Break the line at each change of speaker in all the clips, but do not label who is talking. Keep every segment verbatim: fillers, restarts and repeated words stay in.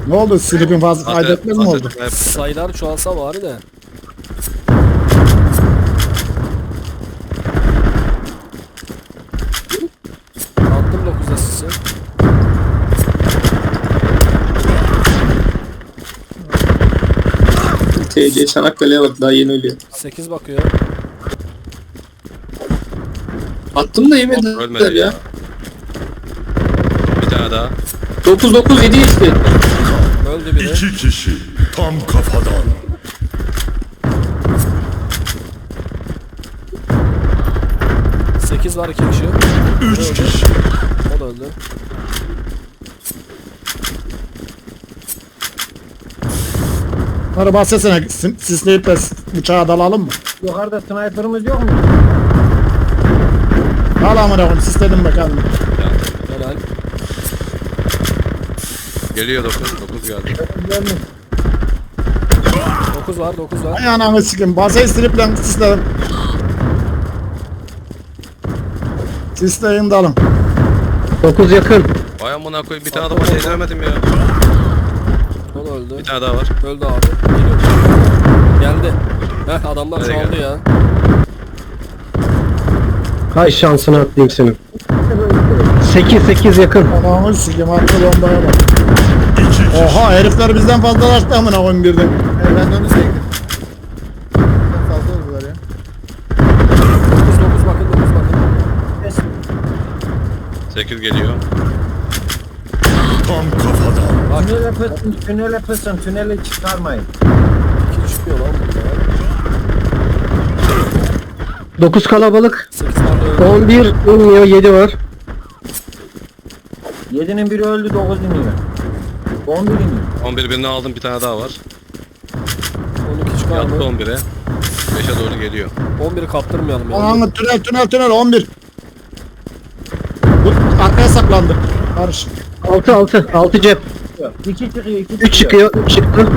Ne oldu? Silip'in fazla kaydetmez mi oldu?
Sayılar çoğalsa bari de. Attım dokuzda sisi.
T C Çanakkale'ye bak, daha yeni ölüyor.
sekiz bakıyor.
Attım da yemediler
Ölmedi
ya.
ya. Bir tane daha.
dokuz dokuz yedi işte.
Öldü biri.
İki kişi tam kafadan.
sekiz var, iki kişi.
Üç
Öldü.
kişi.
O da öldü.
Bunları bahsetsene. sis- Sisleyip de bıçağa dalalım mı?
Yukarıda sniper'ımız yok mu?
Dal amına koyayım. Sisledim bakalım.
Helal.
Geliyor dokuz. dokuz geldi.
dokuz var, dokuz var.
Ay ananı sikim. Basayı siliplen sisledim. Sisleyin dalın.
dokuz yakın.
Vay amına koyayım, bir tane adama şey demedim ya.
O da öldü.
Bir tane daha var.
Öldü abi. Geliyor. Geldi. Heh, adamlar
Nereye
çoğaldı
geldi?
ya.
Hay şansını atlayayım senin. sekiz sekiz yakın.
Ananı sikim. Attı bombaya bak.
İki kişi.
Oha herifler bizden fazlalaştı amına koyayım birden.
Ben de onu çektim. Fazla oldular ya.
dokuz dokuz bakın, dokuz bakın.
sekiz geliyor.
Tam kafadan.
Bak,
Tünele pısın, tünele pısın, tünele çıkarmayın.
iki çıkıyor lan burada.
dokuz kalabalık.
sekiz var da öldü.
on bir iniyor, yedi var. yedinin biri öldü, dokuz iniyor. on bir iniyor.
on bir birini aldım, bir tane daha var.
on iki çıkar
Yattı
mı?
on bire. beşe doğru geliyor.
on biri kaptırmayalım ya.
Ananı tünel tünel tünel on bir. Bu arkaya saklandı. Barış.
altı altı. altı cep. iki çıkıyor, iki çıkıyor. üç çıkıyor. üç çıktı.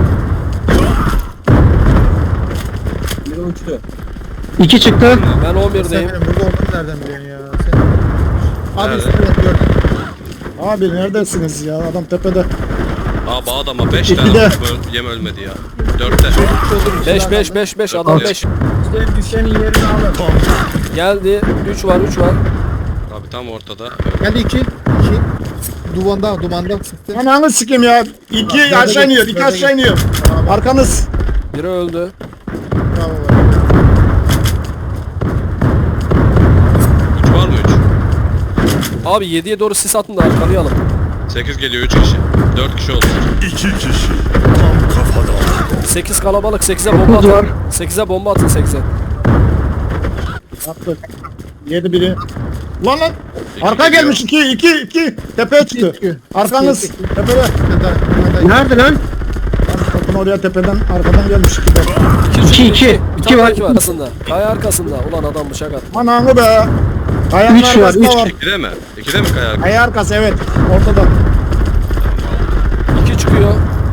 Biri uçtu. iki çıktı.
Ben on
Sen
birdeyim.
benim burada olduğumu nereden biliyorsun ya? Sen... Abi
Nerede?
üstüne gördüm.
Abi neredesiniz ya? Adam tepede.
Aa bu adama beş
İki
tane
de.
öl- yem ölmedi ya. dörtte.
beş beş beş beş adam
Altı.
beş.
İşte düşenin yerini alın.
Geldi. üç var, üç var.
Abi tam ortada.
Geldi iki. iki. Duvanda, dumanda sıktı.
Ananı sikim ya. İki aşağı iniyor. iki aşağı iniyor. Arkanız.
Biri öldü.
Bravo.
üç var mı üç?
Abi yediye doğru sis atın da arkalayalım.
sekiz geliyor, üç kişi. dört kişi oldu.
İki kişi tam kafadan.
sekiz kalabalık, sekize bomba
dokuz var.
atın. sekize bomba atın, sekize.
Attık. Yedi biri. Lan lan.
İki
Arka
geliyor.
gelmiş iki iki iki. Tepeye çıktı.
iki.
Arkanız.
İki,
Tepede.
Nerede lan?
Bakın oraya tepeden arkadan gelmiş iki de.
İki, iki.
Bir
İki
tane
var.
iki var. Arkasında. Kaya arkasında. Ulan adam bıçak attı.
Ananı be. Kayanın
Üç var,
arkasında
üç.
var.
ikide mi? ikide mi kaya?
Kaya arkası evet. Ortada.
iki çıkıyor.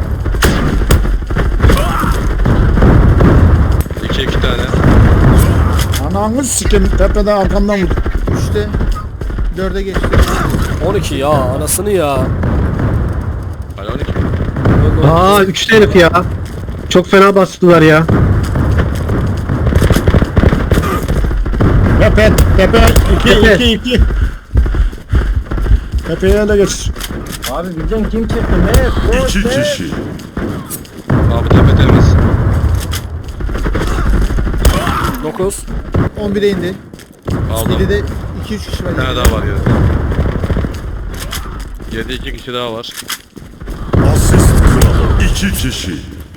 iki iki tane.
Ananı sikim. Tepeden arkamdan vurdu.
Üçte. Dörde geçti.
on iki ya. Anasını ya.
Hala on iki.
Öldü.
Aa üçte herif ya. Çok fena bastılar ya.
Tepe. Tepe. iki
Tepe.
iki iki. Tepeye ele geçir.
Abi bizden kim çıktı? Ne?
İki kişi.
Abi tepe temiz.
dokuz.
on bire indi.
Aldım.
yedide iki üç kişi var.
Bir tane daha var ya. yedi iki kişi daha var.
Asist kralı. İki kişi.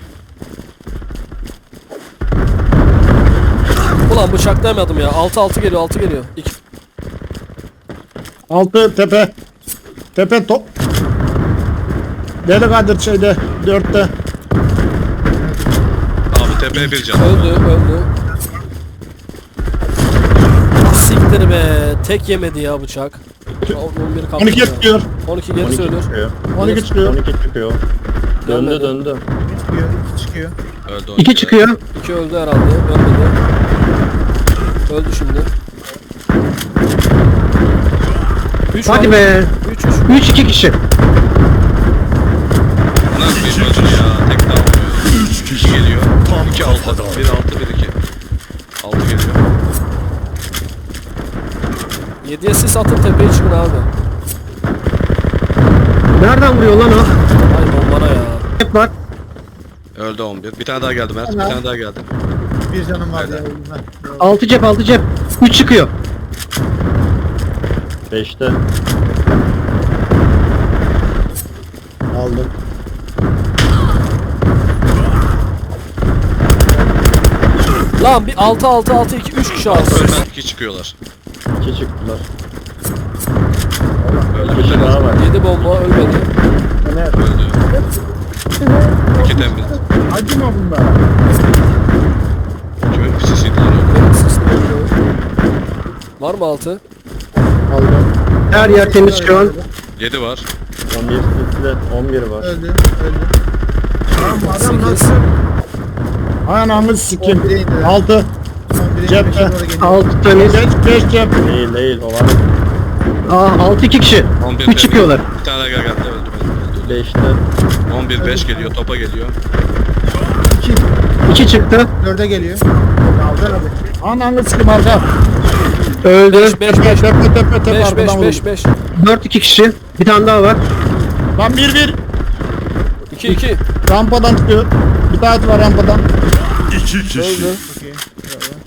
Ulan bıçaklayamadım ya. altı altı geliyor, altı geliyor. iki.
Altı tepe. Tepe top. Deli Kadir şeyde. Dörtte.
Abi tepeye bir can.
Öldü, öldü. Siktir be. Tek yemedi ya bıçak. on bir kaptı
on iki
ya.
çıkıyor.
on iki geri söylüyor.
on iki çıkıyor.
çıkıyor.
Döndü,
döndü.
Çıkıyor. iki çıkıyor.
Öldü on
iki çıkıyor.
iki öldü herhalde. Ölmedi. Öldü şimdi. üç
Hadi be.
üç üç.
üç iki kişi.
Lan şunu ya. Tek daha olmuyor.
Üç
İki
kişi.
geliyor.
Tam
İki altı.
kafadan.
Bir altı bir iki. Altı geliyor.
yediye sis atın tepeye çıkın abi.
Nereden vuruyor lan o?
Ay bombana ya.
Hep var.
Öldü on bir. Bir tane daha geldi Mert. Bir tane daha geldi.
Bir canım var ya.
Aynen.
bilmem.
Altı cep altı cep. Üç çıkıyor.
beşte. Aldım.
Lan bir altı altı altı iki üç kişi aldı.
Ölmez iki çıkıyorlar.
iki çıktılar.
Öldü.
Bir kişi daha var.
yedi bomba ölmedi.
Öldü. İki temiz.
Acıma bunlar.
Kimin pisisiydi lan öldü.
Benim sisim öldü. Var mı altı?
Aldım.
Her yer temiz şu an.
Yedi var.
on bir sisle on bir var.
Öldü. Öldü. Tamam bu adam
Sekiz.
nasıl?
Anamı sikim.
on bire indi.
altı.
on bire
Cepte.
beşe doğru geliyor.
Altı temiz.
beş beş cep. Değil değil o var.
Aa altı iki kişi.
on bir
Üç
temiz.
çıkıyorlar.
Bir tane daha geldi. Öldü. öldü.
beşte.
on bir beş geliyor. Topa geliyor.
İki.
İki çıktı.
Dörde geliyor. Aldı abi.
Ananı sikim arka.
Öldü.
beş beş beş
Tepe tepe tepe
beş
arkadan
beş
vurdu.
beş beş.
Dört iki kişi. Bir tane daha var.
Lan bir bir.
iki iki.
Rampadan çıkıyor. Bir tane var rampadan.
İki kişi.
Öldü.
Okey. Bravo.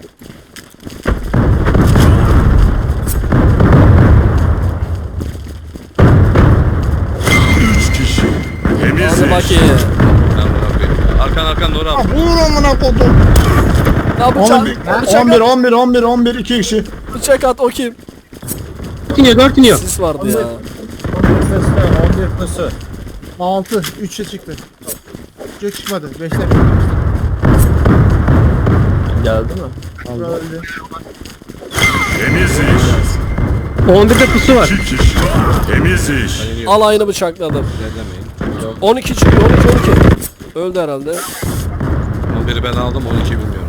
Üç kişi. Temiz
Hadi
iş.
bakayım.
Ben bırakayım. Arkan arkan doğru
Ah,
abi.
vur amına kodum.
Ya bıçak,
on bir
bıçak
on bir
at,
on bir on bir on bir iki kişi.
bıçak at o kim?
Dört iniyor dört iniyor.
Sis vardı ya.
on bir pısı. altı. üçe çıktı. Çok çıkmadı. beşte
Geldi mi?
öldü.
Temiz iş.
on birde pusu var.
İki kişi. Temiz iş.
Al aynı bıçakladım.
İlerlemeyin.
on iki çıkıyor on iki on iki. Öldü herhalde.
on biri ben aldım. on iki bilmiyorum.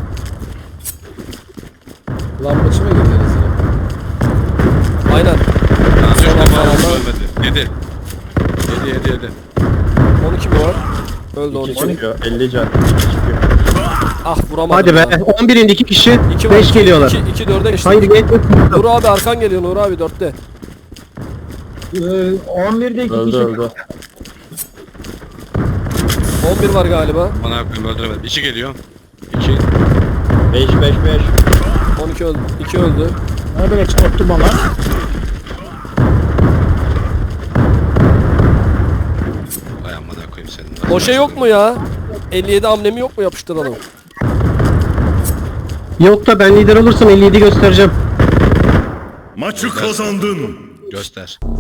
Lambacı mı girdiniz yine?
Aynen.
Ha, düştü
Tamam,
ama
tamam.
ölmedi. Yedi. Yedi yedi yedi.
on iki mi var? Öldü on iki.
çıkıyor. elli can. iki çıkıyor.
Ah vuramadım.
Hadi be.
ya.
on birinde iki kişi.
İki var,
beş
iki-
geliyorlar.
iki- iki dörde geçti.
Hayır geç.
Nur abi arkan geliyor Nur abi dörtte.
on birde iki
Öldü öldü.
on bir var galiba.
Bana yapayım öldüremedim. İki geliyor. İki.
beş beş beş.
on iki öldü. iki öldü.
Nerede çıkarttı bana?
Ay amına koyayım senin.
O şey yok mu ya? elli yedi amblemi yok mu yapıştıralım?
Yok da ben lider olursam elli yedi göstereceğim.
Maçı kazandın.
Göster.